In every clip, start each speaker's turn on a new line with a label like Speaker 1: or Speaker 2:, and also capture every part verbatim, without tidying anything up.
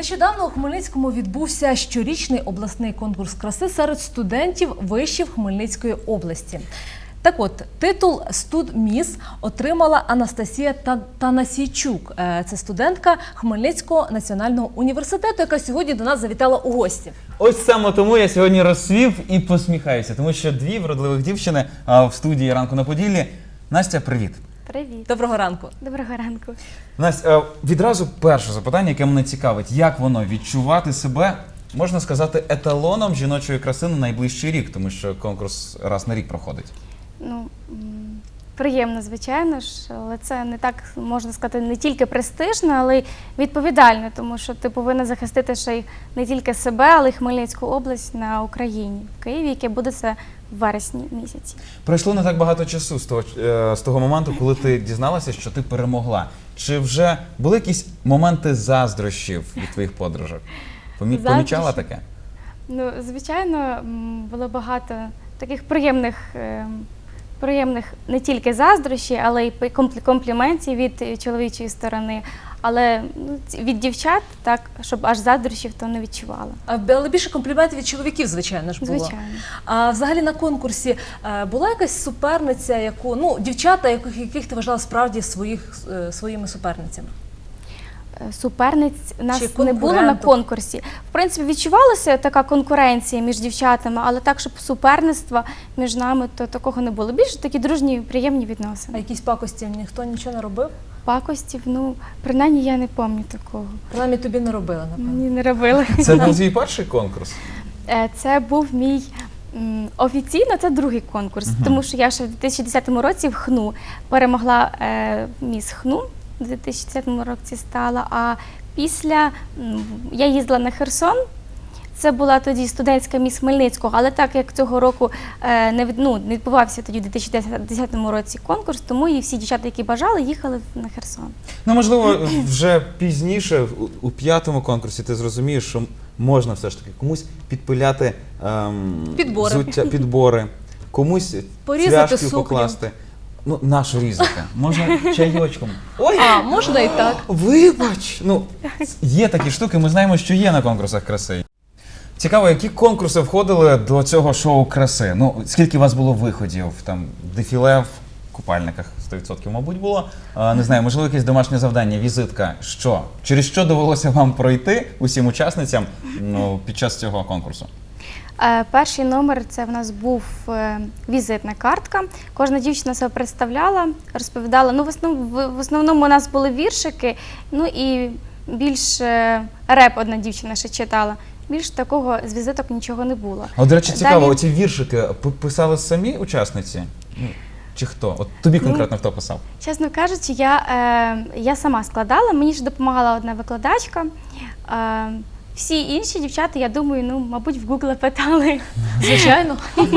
Speaker 1: Нещодавно у Хмельницькому відбувся щорічний обласний конкурс краси серед студентів вишів Хмельницької області. Так от, титул «Студміс» отримала Анастасія Танасійчук. Це студентка Хмельницького національного університету, яка сьогодні до нас завітала у гості.
Speaker 2: Ось саме тому я сьогодні розсвів і посміхаюся, тому що дві вродливих дівчини в студії «Ранку на Поділлі». Настя, привіт.
Speaker 3: Привіт.
Speaker 1: Доброго ранку.
Speaker 3: Доброго ранку.
Speaker 2: Настя, відразу перше запитання, яке мене цікавить. Як воно відчувати себе, можна сказати, еталоном жіночої краси на найближчий рік, тому що конкурс раз на рік проходить?
Speaker 3: Ну, приємно, звичайно ж, але це не так, можна сказати, не тільки престижно, але й відповідально, тому що ти повинна захистити ще й не тільки себе, але й Хмельницьку область на Україні, в Києві, яке буде це в вересні місяці.
Speaker 2: Пройшло не так багато часу з того, з того моменту, коли ти дізналася, що ти перемогла. Чи вже були якісь моменти заздрощів від твоїх подружок? Помі- Помічала таке?
Speaker 3: Ну, звичайно, було багато таких приємних, приємних не тільки заздрощів, але й компліментів від чоловічої сторони. Але ну, від дівчат, так, щоб аж заздрощів, то не відчувала.
Speaker 1: Але більше компліментів від чоловіків, звичайно ж, було.
Speaker 3: Звичайно.
Speaker 1: А взагалі на конкурсі була якась суперниця, яку, ну, дівчата, яких, яких ти вважала справді своїх, своїми суперницями?
Speaker 3: Суперниць у нас
Speaker 1: Чи
Speaker 3: не було на конкурсі. В принципі, відчувалася така конкуренція між дівчатами, але так, щоб суперництва між нами, то такого не було. Більше такі дружні, приємні відносини.
Speaker 1: А якісь пакості ніхто нічого не робив?
Speaker 3: Пакостів, ну, принаймні я не пам'ятаю такого.
Speaker 1: Принаймні тобі не робили, напевно.
Speaker 3: Мені не робили.
Speaker 2: Це був твій перший конкурс?
Speaker 3: Це був мій, офіційно це другий конкурс, uh-huh. тому що я ще в дві тисячі десятому році в ХНУ перемогла е, міс ХНУ, в дві тисячі десятому році стала, а після я їздила на Херсон. Це була тоді студентська міс Хмельницького, але так як цього року е, не, ну, не відбувався тоді в дві тисячі десятому році конкурс, тому і всі дівчата, які бажали, їхали на Херсон.
Speaker 2: Ну, можливо, вже пізніше, у, у п'ятому конкурсі, ти зрозумієш, що можна все ж таки комусь підпиляти ем,
Speaker 1: підбори.
Speaker 2: Взуття, підбори, комусь
Speaker 1: порізати
Speaker 2: цвяшки покласти. Ну, нашу різати. Можна чайочком.
Speaker 1: Ой, а, можна і так.
Speaker 2: Вибач! Ну, є такі штуки, ми знаємо, що є на конкурсах краси. Цікаво, які конкурси входили до цього шоу краси? Ну, скільки у вас було виходів? Там дефіле в купальниках сто відсотків, мабуть, було. А, не знаю, можливо, якесь домашнє завдання, візитка. Що? Через що довелося вам пройти усім учасницям, ну, під час цього конкурсу?
Speaker 3: Е, перший номер – це в нас був е, візитна картка. Кожна дівчина себе представляла, розповідала. Ну, в основному, в основному у нас були віршики, ну і більш е, реп одна дівчина ще читала. Більш такого з візиток нічого не було.
Speaker 2: А, до речі, цікаво,
Speaker 3: Далі...
Speaker 2: оці віршики писали самі учасниці? Чи хто? От тобі конкретно ну, хто писав?
Speaker 3: Чесно кажучи, я, е, я сама складала, мені ж допомагала одна викладачка. Е, всі інші дівчата, я думаю, ну, мабуть, в Google питали.
Speaker 1: Звичайно.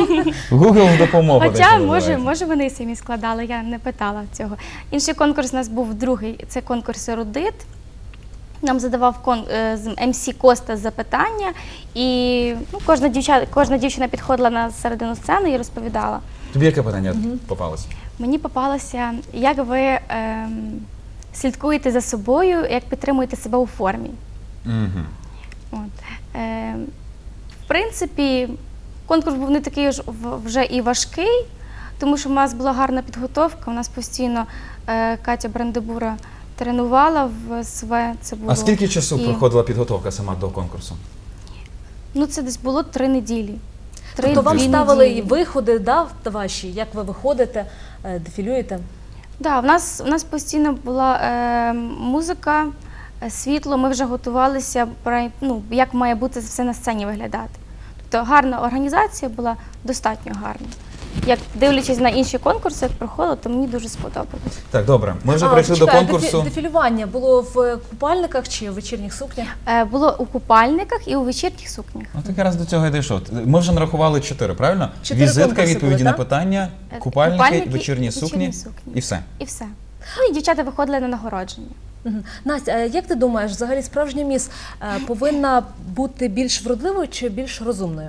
Speaker 2: Google допомога.
Speaker 3: Хоча, може, може, вони самі складали, я не питала цього. Інший конкурс у нас був другий, це конкурс «Ерудит». Нам задавав кон, ем сі Коста запитання, і ну, кожна, дівча, кожна дівчина підходила на середину сцени і розповідала.
Speaker 2: Тобі яке питання угу. попалося?
Speaker 3: Мені попалося, як ви е, слідкуєте за собою, як підтримуєте себе у формі.
Speaker 2: Угу.
Speaker 3: От. Е, в принципі, конкурс був не такий вже і важкий, тому що в нас була гарна підготовка, у нас постійно е, Катя Брандебура тренувала в СВ. Це було.
Speaker 2: А скільки часу
Speaker 3: і...
Speaker 2: проходила підготовка сама до конкурсу?
Speaker 3: Ну, це десь було три неділі.
Speaker 1: Три, тобто вам ставили і виходи, да, ваші, як ви виходите, дефілюєте? Так,
Speaker 3: да, в нас, у нас постійно була е, музика, світло, ми вже готувалися, ну, як має бути все на сцені виглядати. Тобто гарна організація була, достатньо гарна. Як дивлячись на інші конкурси, як проходило, то мені дуже сподобалось.
Speaker 2: Так, добре. Ми вже
Speaker 1: а,
Speaker 2: прийшли
Speaker 1: чекай,
Speaker 2: до конкурсу.
Speaker 1: Дефі, дефілювання було в купальниках чи в вечірніх сукнях?
Speaker 3: Е, було у купальниках і у вечірніх сукнях.
Speaker 2: Ну, так якраз до цього і дійшов. Ми вже нарахували чотири, правильно?
Speaker 1: Чотири
Speaker 2: Візитка, відповіді
Speaker 1: були,
Speaker 2: на
Speaker 1: так?
Speaker 2: питання, купальники,
Speaker 3: купальники
Speaker 2: вечірні,
Speaker 3: вечірні
Speaker 2: сукні,
Speaker 3: сукні
Speaker 2: і все.
Speaker 3: І все. Ну і дівчата виходили на нагородження.
Speaker 1: Угу. Настя, а як ти думаєш, взагалі справжня міс повинна бути більш вродливою чи більш розумною?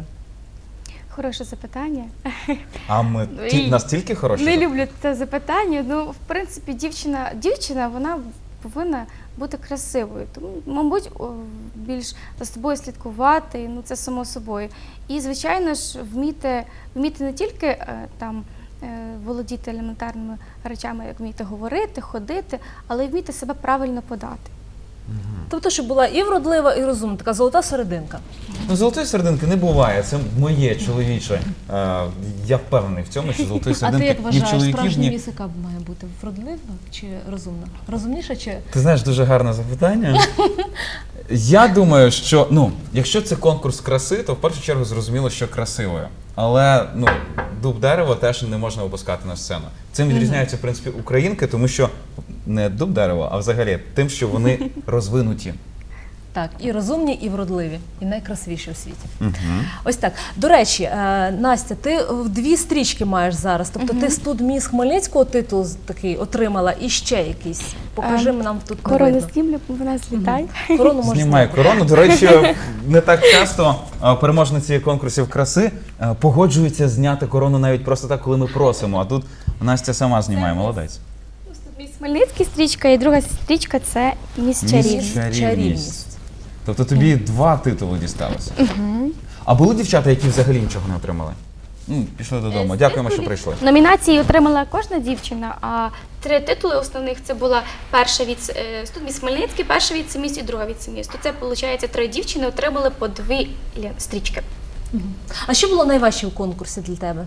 Speaker 3: Хороше запитання.
Speaker 2: А ми ті, настільки хороші?
Speaker 3: Не люблю це запитання. Ну, в принципі, дівчина, дівчина, вона повинна бути красивою. Тому, мабуть, о, більш за собою слідкувати, ну це само собою. І, звичайно ж, вміти, вміти не тільки е, там е, володіти елементарними речами, як вміти говорити, ходити, але й вміти себе правильно подати.
Speaker 1: Тобто, щоб була і вродлива, і розумна, така золота серединка.
Speaker 2: Ну, золотої серединки не буває, це моє чоловіче. Е, я впевнений в цьому, що золотої
Speaker 1: А ти
Speaker 2: серединки
Speaker 1: як
Speaker 2: ні в
Speaker 1: вважаєш,
Speaker 2: чоловіків,
Speaker 1: справжня
Speaker 2: ні...
Speaker 1: міс, яка має бути вродлива чи розумна? Розумніша чи
Speaker 2: Ти знаєш, дуже гарне запитання. Я думаю, що ну, якщо це конкурс краси, то в першу чергу зрозуміло, що красивою. Але ну, дуб дерево теж не можна випускати на сцену. Цим відрізняються, в принципі, українки, тому що не дуб дерево, а взагалі тим, що вони розвинуті.
Speaker 1: так, і розумні, і вродливі, і найкрасивіші у світі.
Speaker 2: Угу.
Speaker 1: Ось так. До речі, е, Настя, ти в дві стрічки маєш зараз. Тобто ти студміс Хмельницького титул такий отримала і ще якийсь. Покажи
Speaker 3: Ем,
Speaker 1: нам тут не
Speaker 3: Корону
Speaker 1: видно.
Speaker 3: знімлю, вона злітає.
Speaker 1: Корону можеш
Speaker 2: Знімає
Speaker 1: зняти.
Speaker 2: корону. До речі, не так часто а, переможниці конкурсів краси а, погоджуються зняти корону навіть просто так, коли ми просимо. А тут Настя сама знімає, молодець.
Speaker 3: Міс Хмельницький стрічка, і друга стрічка – це Міс
Speaker 2: Міс
Speaker 3: Чарівність.
Speaker 2: Чарівність.
Speaker 1: Чарівність.
Speaker 2: Тобто тобі два титули дісталося. А були дівчата, які взагалі нічого не отримали? Ну, пішли додому. Дякуємо, що прийшли.
Speaker 3: Номінації отримала кожна дівчина, а три титули основних – це була перша від е, студміс Хмельницький, перша віце-міс і друга віце-міс. То це, виходить, три дівчини отримали по дві лі- стрічки.
Speaker 1: А що було найважче у конкурсі для тебе?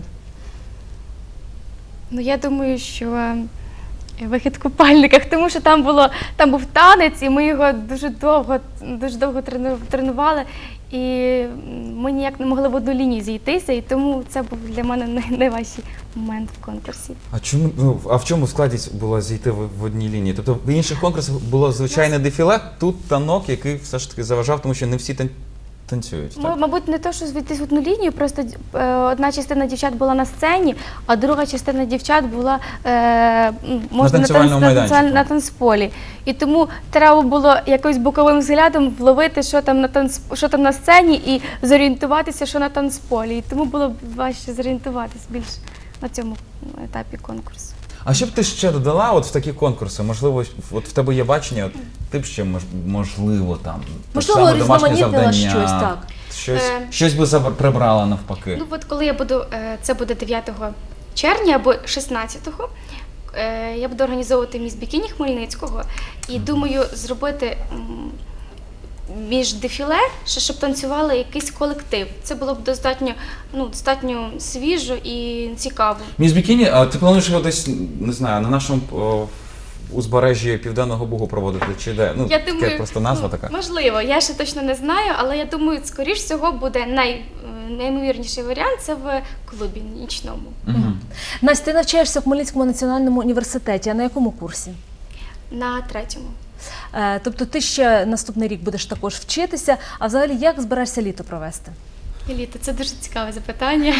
Speaker 3: Ну, я думаю, що е, вихід в купальниках, тому що там було там був танець, і ми його дуже довго, дуже довго трену- тренували, і ми ніяк не могли в одну лінію зійтися, і тому це був для мене най- найважчий момент в конкурсі.
Speaker 2: А чому ну, а в чому складність було зійти в, в одній лінії? Тобто в інших конкурсах було звичайне дефіле, тут танок, який все ж таки заважав, тому що не всі тан- танцюють.
Speaker 3: М-
Speaker 2: Так?
Speaker 3: Мабуть, не то, що звідти в одну лінію, просто е, одна частина дівчат була на сцені, а друга частина дівчат була е, м, можна
Speaker 2: танцювальному
Speaker 3: на,
Speaker 2: майданчику.
Speaker 3: танцюваль- на танцполі. І тому треба було якось боковим взглядом вловити, що там на танц, що там на сцені, і зорієнтуватися, що на танцполі. І тому було важче зорієнтуватись більш на цьому етапі конкурсу.
Speaker 2: А що б ти ще додала от в такі конкурси? Можливо, от в тебе є бачення, от, ти б ще мож, можливо там те ж
Speaker 1: Можливо,
Speaker 2: саме домашнє
Speaker 1: різноманітнила
Speaker 2: завдання,
Speaker 1: щось, так.
Speaker 2: Щось,
Speaker 3: Е.
Speaker 2: щось би забр- прибрала навпаки.
Speaker 3: Ну от коли я буду, е, це буде дев'ятого червня або шістнадцятого, е, я буду організовувати міс Бікіні Хмельницького і думаю зробити м, між дефіле, ще щоб танцювали якийсь колектив. Це було б достатньо, ну, достатньо свіжо і цікаво.
Speaker 2: Міс Бікіні, а ти плануєш його десь, не знаю, на нашому о, узбережжі Південного Бугу проводити, чи де? Ну,
Speaker 3: Я
Speaker 2: таке
Speaker 3: думаю,
Speaker 2: просто назва
Speaker 3: ну,
Speaker 2: така.
Speaker 3: можливо, я ще точно не знаю, але я думаю, скоріш всього буде най, е, найімовірніший варіант це в клубі нічному.
Speaker 2: Мгм.
Speaker 1: Настя, ти навчаєшся в Хмельницькому національному університеті, а на якому курсі?
Speaker 3: На третьому.
Speaker 1: Е, Тобто ти ще наступний рік будеш також вчитися, а взагалі як збираєшся літо провести?
Speaker 3: Еліта, це дуже цікаве запитання.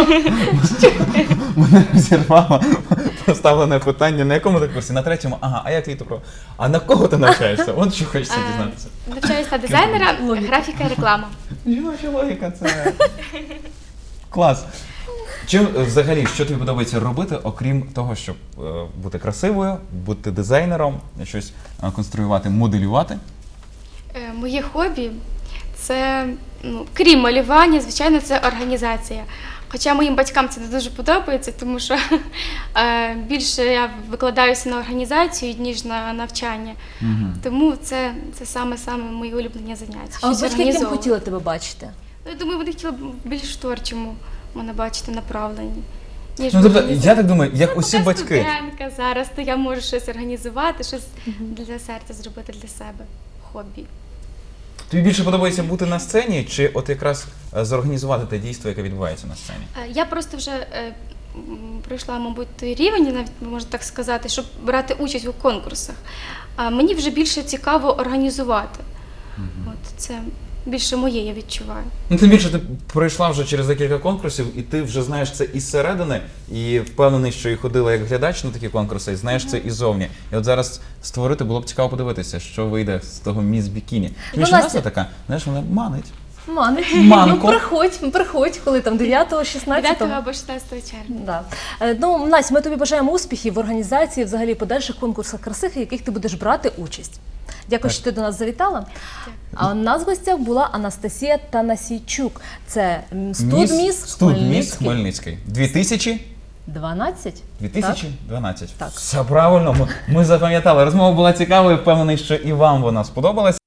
Speaker 2: Мене розірвало поставлене питання, на якому ти курсі? На третьому? Ага, а як літо про? А на кого ти навчаєшся? От що хочеться
Speaker 3: Е,
Speaker 2: дізнатися.
Speaker 3: Навчаюсь на дизайнера, графіка і реклама.
Speaker 2: Жіноча логіка, це клас. Чим е, взагалі, що тобі подобається робити, окрім того, щоб е, бути красивою, бути дизайнером, щось е, конструювати, моделювати?
Speaker 3: Е, Моє хобі це, ну, крім малювання, звичайно, це організація. Хоча моїм батькам це не дуже подобається, тому що е, більше я викладаюся на організацію, ніж на навчання.
Speaker 2: Мгм.
Speaker 3: Тому це, це саме-саме мої улюблені заняття.
Speaker 1: А от
Speaker 3: щось
Speaker 1: батьки яким
Speaker 3: організовувати.
Speaker 1: хотіли тебе бачити?
Speaker 3: Ну, я думаю, вони хотіли б більш творчому мене бачити направлені. Ніж
Speaker 2: Ну, тобто,
Speaker 3: організацію.
Speaker 2: я так думаю, як
Speaker 3: Ну,
Speaker 2: усі
Speaker 3: поки
Speaker 2: батьки.
Speaker 3: студентка зараз, то я можу щось організувати, щось для серця зробити для себе. Хобі.
Speaker 2: Тобі більше подобається бути на сцені, чи от якраз е, зорганізувати те дійство, яке відбувається на сцені?
Speaker 3: Е, Я просто вже е, м, пройшла, мабуть, той рівень, навіть можна так сказати, щоб брати участь у конкурсах. А мені вже більше цікаво організувати. От це більше моє, я відчуваю.
Speaker 2: Ну, тим більше ти пройшла вже через декілька конкурсів, і ти вже знаєш це із середини, і впевнений, що і ходила як глядач на такі конкурси, і знаєш це іззовні. І от зараз створити було б цікаво подивитися, що вийде з того міс Бікіні. Тим
Speaker 1: Ну,
Speaker 2: більше
Speaker 1: Настя-
Speaker 2: назва така, знаєш, вона манить.
Speaker 1: Манить.
Speaker 2: Манко.
Speaker 1: Ну, приходь, приходь, коли там дев'ятого, шістнадцятого.
Speaker 3: дев'ятого або шістнадцятого червня.
Speaker 1: Да. Е, Ну, Настя, ми тобі бажаємо успіхів в організації, взагалі подальших конкурсах краси, в яких ти будеш брати участь. Дякую, що ти до нас завітала. А у нас в гостях була Анастасія Танасійчук. Це м, студміс
Speaker 2: Студміс
Speaker 1: Хмельницький.
Speaker 2: Хмельницький. дві тисячі
Speaker 1: дванадцять?
Speaker 2: дві тисячі дванадцять.
Speaker 1: Так.
Speaker 2: Все правильно, ми, ми запам'ятали. Розмова була цікавою, впевнений, що і вам вона сподобалась.